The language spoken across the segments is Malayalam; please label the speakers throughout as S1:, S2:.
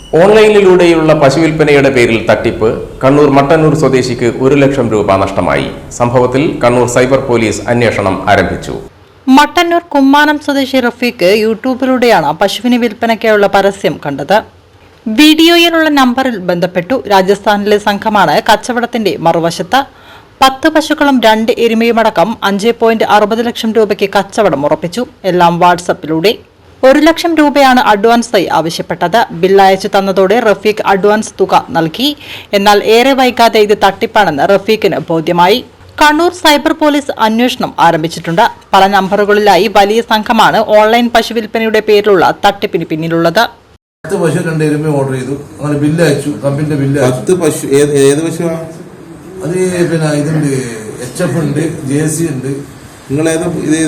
S1: ഓൺലൈനിലൂടെയുള്ള പശുവിൽപ്പനയുടെ പേരിൽ തട്ടിപ്പ്. കണ്ണൂർ മട്ടന്നൂർ സ്വദേശിക്ക് 1 ലക്ഷം രൂപ നഷ്ടമായി. സംഭവത്തിൽ കണ്ണൂർ സൈബർ പോലീസ് അന്വേഷണം ആരംഭിച്ചു.
S2: മട്ടന്നൂർ കുമ്മാനം സ്വദേശി റഫീഖ് യൂട്യൂബിലൂടെയാണ് പശുവിന് വിൽപ്പനയ്ക്കായുള്ള പരസ്യം കണ്ടത്. വീഡിയോയിലുള്ള നമ്പറിൽ ബന്ധപ്പെട്ടു. രാജസ്ഥാനിലെ സംഘമാണ് കച്ചവടത്തിന്റെ മറുവശത്ത്. 10 പശുക്കളും 2 എരുമയുമടക്കം 5.60 ലക്ഷം രൂപയ്ക്ക് കച്ചവടം ഉറപ്പിച്ചു. എല്ലാം വാട്സപ്പിലൂടെ. 1 ലക്ഷം രൂപയാണ് അഡ്വാൻസായി ആവശ്യപ്പെട്ടത്. ബില്ല് അയച്ചു തന്നതോടെ റഫീഖ് അഡ്വാൻസ് തുക നൽകി. എന്നാൽ ഏറെ വൈകാതെ ഇത് തട്ടിപ്പാണെന്ന് റഫീഖിന് ബോധ്യമായി. കണ്ണൂർ സൈബർ പോലീസ് അന്വേഷണം ആരംഭിച്ചിട്ടുണ്ട്. പല നമ്പറുകളിലായി വലിയ സംഘമാണ് ഓൺലൈൻ പശു വിൽപ്പനയുടെ പേരിലുള്ള തട്ടിപ്പിന് പിന്നിലുള്ളത്.
S3: 10 പശു 2 എരുമ ഓർഡർ ചെയ്തു. അങ്ങനെ ബില്ല് അയച്ചു. കമ്പനിന്റെ ബില്ല്
S4: 10 പശു. ഏത് പശുവാ
S3: അത്? പിന്നെ ഇതുണ്ട്, HF ഉണ്ട്, JC ഉണ്ട്.
S4: നിങ്ങൾ ഏതാ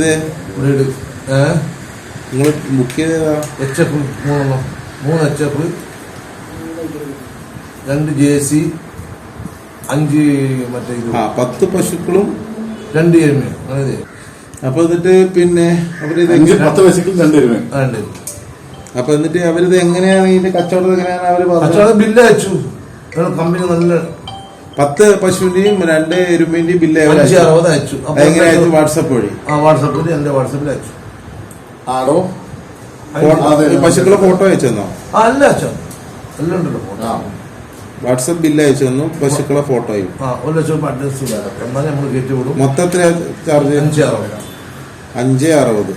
S4: നിങ്ങൾ ബുക്ക് ചെയ്തതാ?
S3: HF 3 HF, 2 JC, 5 മറ്റേ ഇത്.
S4: 10 പശുക്കളും
S3: 2 എരുമ. അങ്ങനെ.
S4: അപ്പൊ എന്നിട്ട് പിന്നെ അവരിത്
S5: 10 പശുക്കളും 2 എരുമ.
S4: അപ്പൊ എന്നിട്ട് അവരിത് എങ്ങനെയാണ് ഇതിന്റെ കച്ചവടം എങ്ങനെയാണ് അവര്
S3: കച്ചവടം? ബില്ല് അയച്ചു. കമ്പനി നല്ല
S4: 10 പശുവിന്റെയും 2 എരുമേന്റെയും ബില്ല്
S3: 560 അയച്ചു.
S4: എങ്ങനെ അയച്ചു? വാട്സപ്പ് വഴി.
S3: വാട്സപ്പിൽ എന്റെ വാട്സപ്പിൽ അയച്ചു.
S5: ആടോ
S4: പശുക്കളെ ഫോട്ടോ അയച്ചു തന്നോ?
S3: അല്ല അച്ഛാ, എല്ലാം ഉണ്ടല്ലോ ഫോട്ടോ.
S4: വാട്സപ്പ് ബില്ല് അയച്ചു തന്നു, പശുക്കളെ ഫോട്ടോയും.
S3: 1 ലക്ഷം അഡ്രസ് എന്നാലും നമ്മൾ കയറ്റി വിടും.
S4: മൊത്തത്തിൽ ചാർജ്
S3: 560.
S4: 560.